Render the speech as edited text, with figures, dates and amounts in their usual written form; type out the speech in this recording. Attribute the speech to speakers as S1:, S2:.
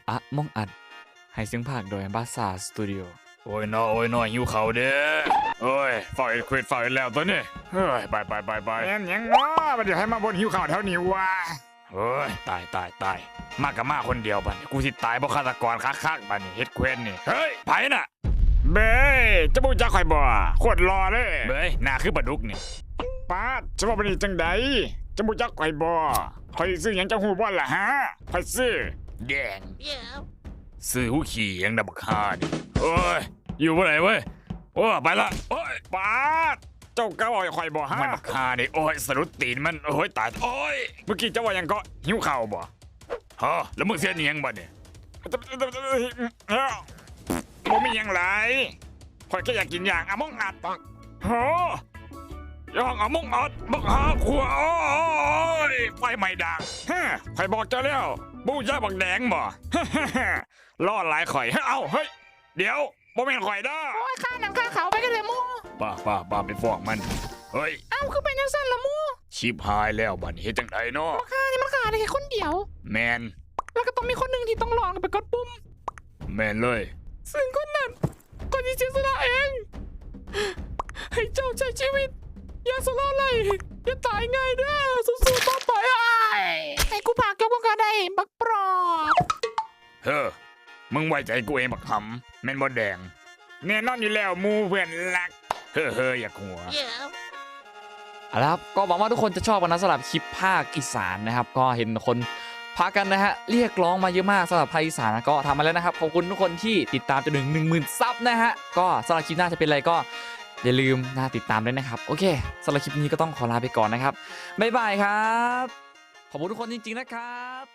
S1: อะมองอัดให้เสียงภาคโดยบาซาสตูดิโอ
S2: โอ้ยน้อยหิวเขาเด้อโอ้ยฝ่ายเควสฝ่ายแล้วตัวนี้เฮ้ยไปแม่นยังง้อมันจะให้มาบนหิวเขาแถวนี้วะเฮ้ยตายมากับมาคนเดียวบัดนี้กูสิตายเพราะฆาตกรคักบัดนี้เฮ็ดเควสนี่เฮ้ยไผน่ะเบ้ยจะบูจักข่อยบ่โคตรรอเลยเบ้ยหน้าคือปลาดุกนี่ป้าจะว่าเป็นจังใดจะบูจักข่อยบ่ข่อยซื้อหยังจังฮู้บ่ล่ะฮะข่อยซื้อแดงซื้อหูขี่ยังดับคาดิโอ้ยอยู่บ่ไหนเว้ยโอ้ไปละโอ้ยป้าเจ้าก้าวข่อยบ่ฮะมันบักคาดิโอ้ยสะดุดตีนมันโอ้ยตายโอ้ยเมื่อกี้เจ้าว่ายังก็หิวข้าวบ่ฮะแล้วมึงเสียเนียงบ่เนี่ยบ่มีหยังไรข่อยแค่อยากกินอย่างอะมองอัดปักโหย่องอะมองอัดบักหาขัวโอ้ยไฟไหม้ดังฮะข่อยบอกเจ้าแล้วบูชาบักแดงบ่ล่อหลายข่อยเอ้าเฮ้ยเดี๋ยวบ่แม่นข่อยเด้อ
S3: โอ้ยข้าหนังข้าเขาไปกันเลยมู
S2: ป้าไปฟอกมันเฮ้ย
S3: เอ้าคือเป็นยังสั้นละมู
S2: ชิบหายแล้วบัดนี้เฮ็ดจังไดเนาะ
S3: ข้านี่มันขาดได้แค่คนเดียว
S2: แมน
S3: แล้วก็ต้องมีคนหนึ่งที่ต้องลองไปกดปุ่ม
S2: แมนเลย
S3: ซึ่งคนนั้นก็จะเสียสละเอง ให้เจ้าใช้ชีวิต อย่าสละเลยอย่าตายง่ายเด้อสู้ๆต่อไปให้กูพาเกี่ยวกับได้บักปลอก
S2: เฮ้อมึงไว้ใจกูเองบักหำแม่นบ่แดงแน่นอนอยู่แล้วหมู่เพื่อนรักเฮ้ออย่าหัว
S1: เอาละครับก็หวังว่าทุกคนจะชอบกันนะสำหรับคลิปภาคอีสานนะครับก็เห็นคนพากันนะฮะเรียกร้องมาเยอะมากสำหรับภาคอีสานนะก็ทำมาแล้วนะครับขอบคุณทุกคนที่ติดตามจนถึง 10,000 ซับนะฮะก็สำหรับคลิปหน้าจะเป็นอะไรก็อย่าลืมนะติดตามด้วยนะครับโอเคสำหรับคลิปนี้ก็ต้องขอลาไปก่อนนะครับบ๊ายบายครับขอบคุณทุกคนจริงๆนะครับ